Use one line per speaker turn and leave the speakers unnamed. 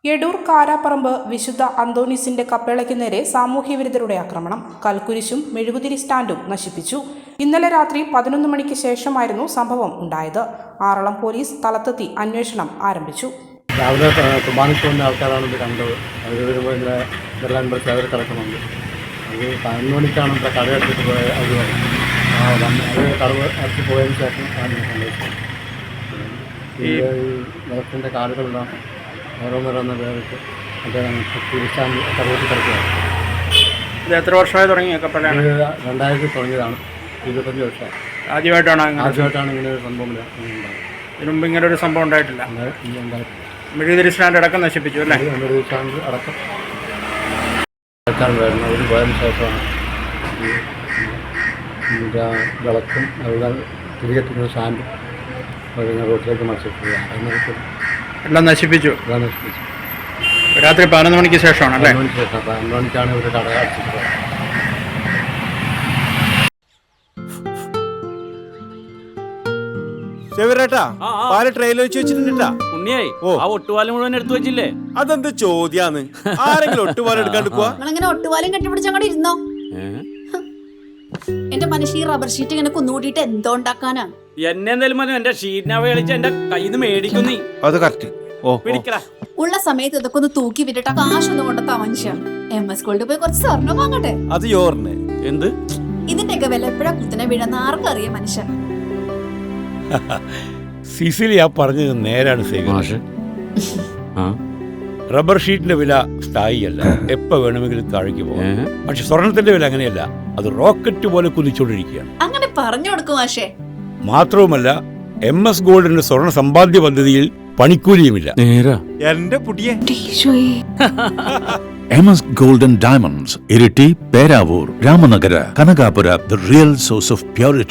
എടൂർ കാരാപ്പറമ്പ് വിശുദ്ധ അന്തോണീസിന്റെ കപ്പേളയ്ക്ക് നേരെ സാമൂഹ്യവിരുദ്ധരുടെ ആക്രമണം. കൽക്കുരിശും മെഴുകുതിരി സ്റ്റാൻഡും നശിപ്പിച്ചു. ഇന്നലെ രാത്രി 11 മണിക്ക് ശേഷമായിരുന്നു സംഭവം ഉണ്ടായത്. ആറളം പോലീസ് സ്ഥലത്തെത്തി അന്വേഷണം ആരംഭിച്ചു.
രാവിലെ കുർബാനയ്ക്ക് ആൾക്കാരാണ് ഇത് കണ്ടത്. അവർ വരുമ്പോൾ ഇങ്ങനെ ഇതെല്ലാം അവർ കിടക്കുന്നുണ്ട്. അത് 11 മണിക്കാണ് ഇവിടെ കടയെടുത്തിട്ട് പോയത്. അവർ കടവ് അടച്ച് പോയതിന് ശേഷം സംഭവിച്ചത്. ഈ വെള്ളത്തിൻ്റെ കാലുകളെല്ലാം ഓരോന്നോരോന്ന് വേറിട്ട് അദ്ദേഹം തിരിച്ചാണ്ട് കടവൂട്ടി കിടക്കുകയാണ്.
ഇത് എത്ര വർഷമായി തുടങ്ങിയ കപ്പലാണ്?
2000 തുടങ്ങിയതാണ്. 25 വർഷമായി.
ആദ്യമായിട്ടാണ്
ഇങ്ങനെ ഒരു സംഭവം ഉണ്ടായത്.
ഇതിനു മുമ്പ് ഇങ്ങനെ ഒരു സംഭവം ഉണ്ടായിട്ടില്ല. മെഴുകുതിരി സ്റ്റാൻഡ് അടക്കം നശിപ്പിച്ചു അല്ലേ?
മെഴുകുതിരി സ്റ്റാൻഡ് അടക്കം വരുന്നത്. അതിന് പോയതിന് ശേഷമാണ് വിളക്കും അതുപോലെ തിരികെത്തുന്ന സ്റ്റാൻഡും റോട്ടിലേക്ക് മത്സരിക്കുക.
എല്ലാം നശിപ്പിച്ചു.
എല്ലാം നശിപ്പിച്ചു.
രാത്രി 11 മണിക്ക് ശേഷമാണ് അല്ലേ?
11 മണിക്കാണ് ഇവർ കട അടച്ചിട്ട് പോയത്.
പാല് ട്രെയിലർ വെച്ച് വെച്ചിട്ടുണ്ടാ
ഉണ്ണിയായി ആ ഒട്ടുപാലം മുഴുവൻ എടുത്തു വെച്ചില്ലേ?
അതെന്ത് ചോദ്യാന്ന്? ആരെങ്കിലും ഒട്ടുപാലം എടുക്കാണ്ട് പോവാ?
നിങ്ങളിങ്ങനെ ഒട്ടുപാലം കെട്ടിപ്പിടിച്ച് അങ്ങോട്ട് ഇരുന്നോ. എന്റെ മനുഷ്യ റബ്ബർ ഷീറ്റ് ഇങ്ങനെ കുന്നുകൂട്ടിട്ട് എന്തോ ഉണ്ടാക്കാനാ?
എന്നെ എന്തായാലും മതി. എന്റെ ഷീറ്റിനെ കളിച്ച് എന്റെ കയ്യിൽ നിന്ന് മേടിക്കുന്നീ.
അത് കറക്റ്റ്.
പിടിക്കടാ.
ഉള്ള സമയത്ത് ഇതൊക്കെ ഒന്ന് തൂക്കി വിട്ടിട്ട് കാശൊന്നും കൊണ്ടെത്താ മനുഷ്യ. MS ഗോൾഡ് പോയി കുറച്ച് സ്വർണ്ണം വാങ്ങട്ടെ.
അത് യോറിന്
എന്ത്?
ഇതിന്റെയൊക്കെ വില എപ്പോഴാ കുത്തിനെ വീഴുന്ന ആർക്കറിയാം മനുഷ്യ.
സിസിലി ആ പറഞ്ഞത് നേരാണ് സേവ. റബ്ബർ ഷീറ്റിന്റെ വില സ്ഥായിയല്ല, എപ്പോ വേണമെങ്കിലും താഴേക്ക് പോകാം. പക്ഷെ സ്വർണത്തിന്റെ വില അങ്ങനെയല്ല, അത് റോക്കറ്റ് പോലെ കുതിച്ചുകൊണ്ടിരിക്കുകയാണ്.
അങ്ങനെ പറഞ്ഞു കൊടുക്കും മാഷേ.
മാത്രവുമല്ല MS ഗോൾഡിന്റെ സ്വർണ്ണ സമ്പാദ്യ പദ്ധതിയിൽ പണിക്കൂലിയുമില്ല.
എന്റെ പുടിയെ
MS Gold and Diamonds, Iriti, Peravur, Ramanagara, Kanagapura, the real source of purity.